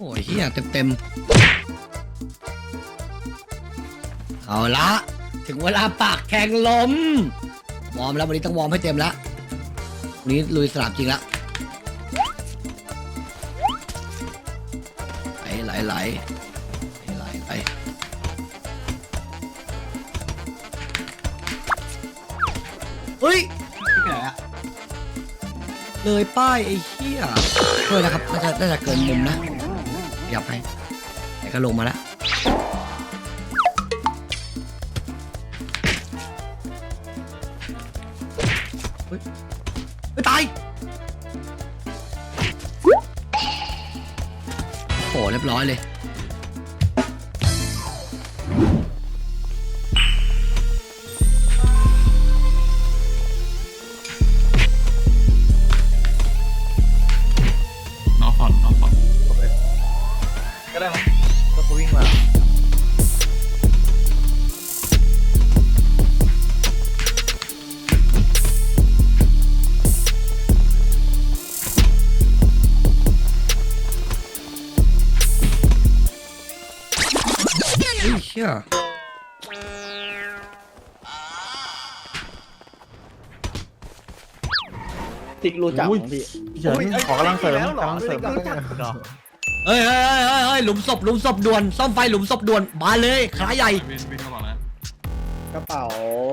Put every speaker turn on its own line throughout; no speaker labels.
ยเฮียเต็มเอาละถึงเวลาปากแข่งลมวอร์มแล้ววันนี้ต้องวอร์มให้เต็มแล้ววันนี้ลุยสนามจริงแล้วไหลเฮ้ยเลยป้ายไอ้เหี้ยเฮ้ยนะครับน่าจะเกินมุมนะหยับให้แต่ก็ลงมาแล้วเฮ้ยไม่ตายโอ้เรียบร้อยเลย
ก็ได้มั้งก็วิ่งมา
เฮ้ยเชี่ย
ติ๊กรู้จักของพี่เฉินขอกำลังเสริม
เฮ้ยหลุมศพด่วนซ่อมไฟหลุมศพด่วนมาเลยขาใหญ่
วินเข้ามาแล้ว
กระเป๋า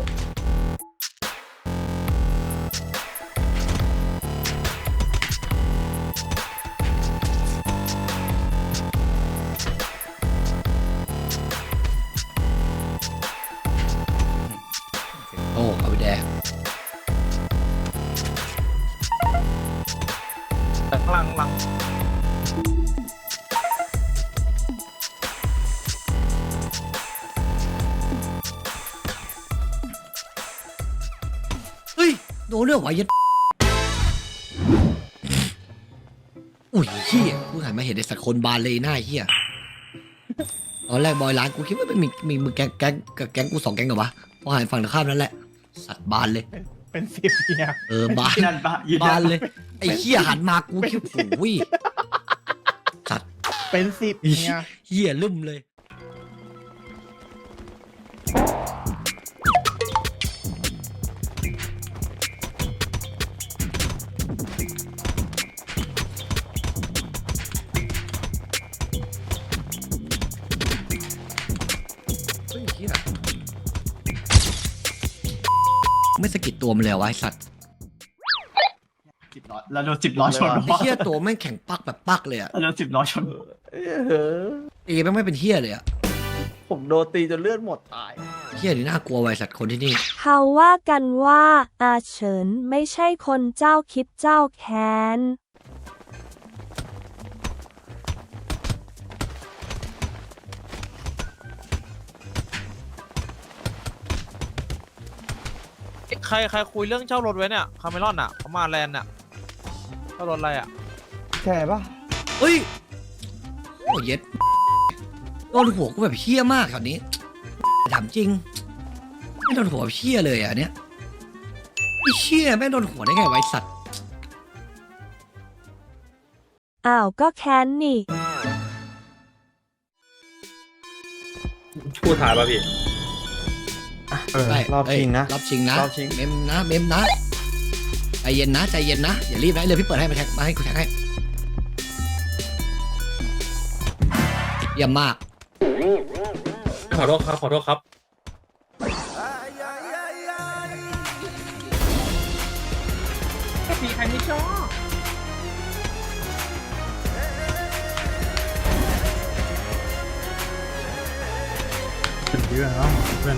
โอ้เอาไปแดง
หลัง
เฮ้ยโดนเรื่องไหวยัดอุ้ยเฮียกูหันมาเห็นไอ้สัตว์คนบานเลยหน้าเฮียตอนแรกบอยร้านกูคิดว่ามีมือแก๊งกู2 แก๊งเหรอวะพอหันฝั่งตรงข้ามนั่นแหละสัตว์บานเลย
เป็น10เนี่ย
บานเลยไอ้เฮียหันมากูคิดโอ้ยสัตว์
เป็น10เนี่ย
เฮียลืมเลยไม่สะกิดตัวมันเลยไว้สัตว์
10 ล้อแล้วโดน10 ล้อชน
ไอ้เฮียตัวแม่งแข็งปักแบบปักเลยอะ
แล้วโดน10 ล้อชน
ตีแม่งไม่เป็นเฮียเลยอะ
ผมโดนตีจนเลือดหมดตาย
เฮียนี่น่ากลัวไว้สัตว์คนที่นี่
เขาว่ากันว่าอาเฉินไม่ใช่คนเจ้าคิดเจ้าแค้น
ใครคุยเรื่องเช่ารถไว้เนี่ยคาเมรอนอ่ะเขามาแลนด์อ่ะเช่ารถอะไรอ่ะ
ใช่ปะ
เฮ้ยโอ้ยเย็ดโดนหัวกูแบบเฮี้ยมากแถวนี้ถามจริงไม่โดนหัวเฮี้ยเลยอ่ะเนี้ยไอ้เชี่ยแม่งโดนหัวได้ไงไว้สัตว์
อ้าวก็แค้นนี่
พูดถ่ายป่ะพี่
รอบชิงนะ
รอบชิงนะเมมนะใจเย็นนะอย่ารีบนะเลยพี่เปิดให้มาแท็กมาให้กูแท็กให้เยี่ยมมาก
ขอโทษครับ
มีใครไม่ชอบ
เยอะเนาะเป็น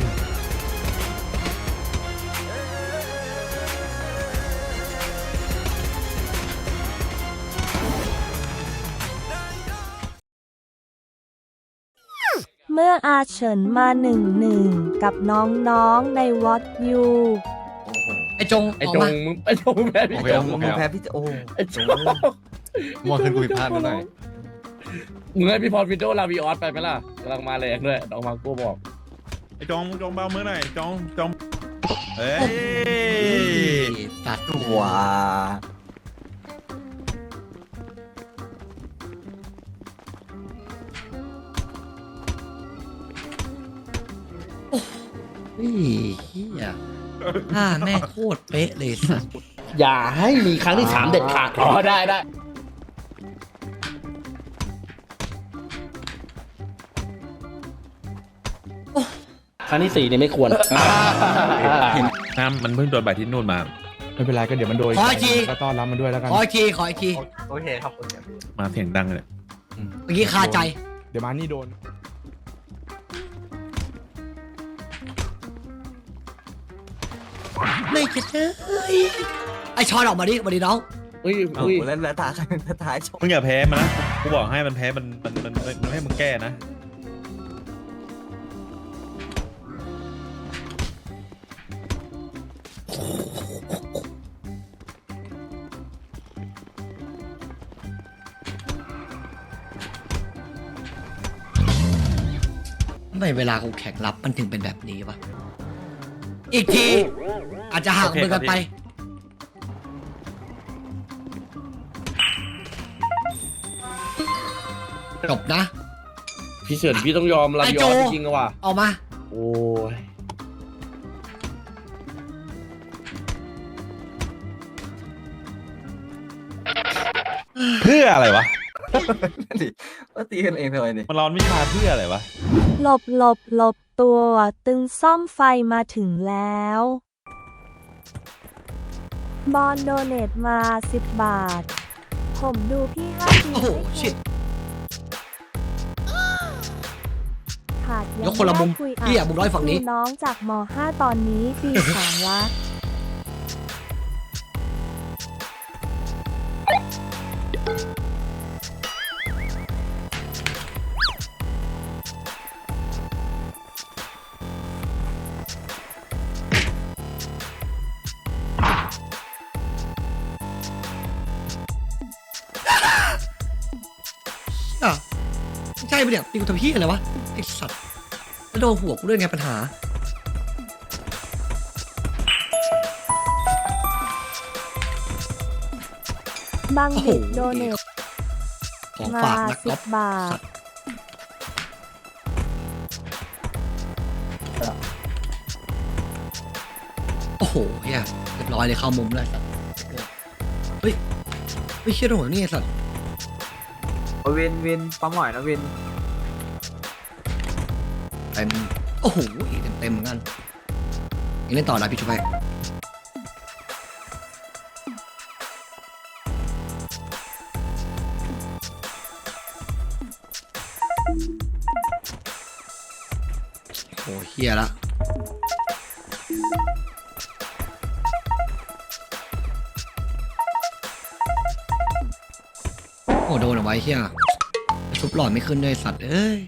เมื่ออาเฉินมา1-1กับน้องๆในวอตยู
ไอ้จง
ไอ้จงมึงแพ้พี่จง
มึงแพ้พี่โอ้
ไอ้จง
มองขึ้นกูผิดพลาดนิดหน่อย
มึงให้พี่พรวินโดว์ลาวิออสไปไหมล่ะกำลังมาแรงด้วยน้องมาโก้บอก
ไอ้จองเบามือหน่อยจองเฮ้ย
ตัด
ว้า
เฮียแม่งโคตรเป๊ะเลยสัส
อย่าให้มีครั้งที่ 3 เด็ดขาดอ๋อได้ได้ ครั้งที่ 4เนี่ยไม่ควร
น้ำมันเพิ่งโดนใบที่นู่นมา
ไม่เป็นไรก็เดี๋ยวมันโดย
ขออีกที
ก็ต้อนรับมันด้วยแล้วกัน
ขออีกทีขออีกที
โอเคครับโอเค
มาเสียงดังเลย
เมื่อกี้คาใจ
เดี๋ยวมานี่โดน
ไม่จะเลยไอชอนออกมาดิมาดิน้อง
อุ้ยอุ้ย
แล้วตาท้ายชม
มึงอย่าแพ้มันนะกูบอกให้มันแพ้มันให้มึงแก้นะ
ทำไมเวลากูแข่งรับมันถึงเป็นแบบนี้วะ อีกที อาจจะห่างมือกันไป จบนะ
พี่เฉินพี่ต้องยอมลา
ไอ้
บิอ
โจ
อสจริงๆอะว่ะ
ออกมา
โอ้ย
เพื่ออะไรวะ
ว่าตีกันเองทำไมเนี่ย
มันร้อนวิชาเพื่ออะไรวะ
หลบตัวตึงซ่อมไฟมาถึงแล้ว บอลโดเนทมา 10 บาท ผมดูพี่5 ปี
โอ้โหชิต
ขาด
ยกคนละมุม
คุย
พี่อะมุมร้อยฝั่งนี้
ดูน้องจากม .5 ตอนนี้ปี 3 ละ
อ่ะไม่ใช่ปะเนี่ยตีกูทำพี่อะไรวะ ไอสัตว์แล้วโดนหัวกูด้วยไงปัญหา
บาง
โอ้โห
บิดโดเนท
ของ
มา
ฝากนักรบ
10 บาท
โอ้โหเฮียเรียบร้อยเลยเข้ามุมเลยสัตว์เฮ้ยไม่เชื่อตรงไหนนี่ไอ้สัตว์
วินปั๊มหน่อยนะวิน
เต็มโอ้โหเต็มเหมือนกันยังเล่นต่อนะพี่ชุบไปโอ้เฮียละโอ้โดนเอาไว้เฮียชุบหลอดไม่ขึ้นด้วยสัตว์เอ้ย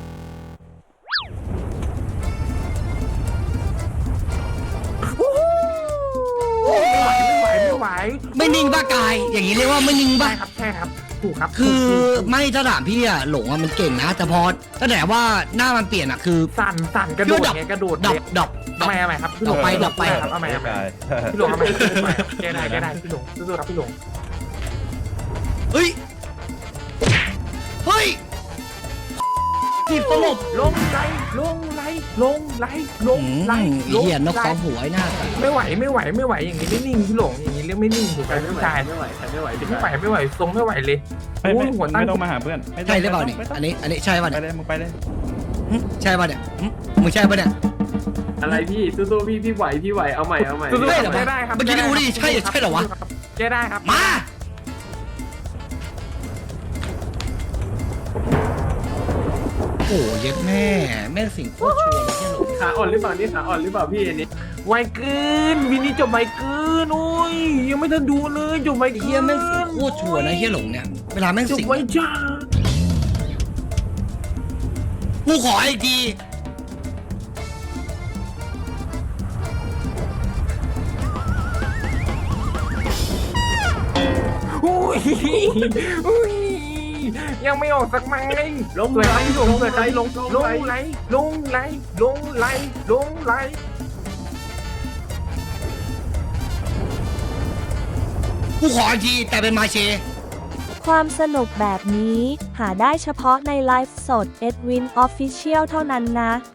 ไม่นิ่งบ้ากาย อย่างนี้เรียกว่าไม่นิ่งบ้า
ใช่ครับถูกครับ
คือไม่ถ้าถามพี่อะหลงอะมันเก่งนะ แต่พอตั้งแต่ว่าหน้ามันเปลี่ยนอะคือ
สั่นกระโดดไงกระโดด
ดับ
ทำไมครับพี่หลง
ดับไป
ครับทำไมพี่หลงทำไมแกได้พี่หลงสู้ๆครับพี่หลง
เฮ้ยทีบตลบ
ลงไหล
เหี้ยนกสองหัวไอ้หน้า
ไม่ไหวอย่างนี้ไม่นิ่งพี่หลงอย่างนี้เรียกไม่นิ่งถูกไหมพี่ชายไม่ไหวทรงไม่ไหวเลยหัวตั้ง
ไม่ต้องมาหาเพื่อน
ใช่หรือเปล่าเนี่ยอันนี้ใช่ป่ะ
ไป
เนี่ย
เลยมึงไปเลย
ใช่ป่ะเนี่ยมึงใช่ป่ะเนี่ย
อะไรพี่สู้ๆพี่ไหวเอาใหม่
ได้เหรอ
ได้ครับ
เมื่อกี้ที่กูได้ยินใช่เหรอวะ
แกได้ครับ
มาโอ้เย็ดแม่สิ่งโคตรชัวร์เลยที่หลง
ขาอ่อนหรือเปล่านี่ขาอ่อนหรือเปล่าพี่อันนี้
ไวเกินวินนี่จบไวเกินโอ้ยยังไม่ทันดูเลยจบไวเกิน
เฮียแม่งสิ่งโคตรชัวร์นะเฮียหลงเนี่ยเวลาแม่ง
จบ
สิ่ง
ไวจ้า
กูขออีกที
อุ้ยยังไม่ออกสักไม้ลงไหลลงไหลลงไหล
กูขออีกทีแต่เป็นมาเช
ความสนุกแบบนี้หาได้เฉพาะในไลฟ์สด Edwin Official เท่านั้นนะ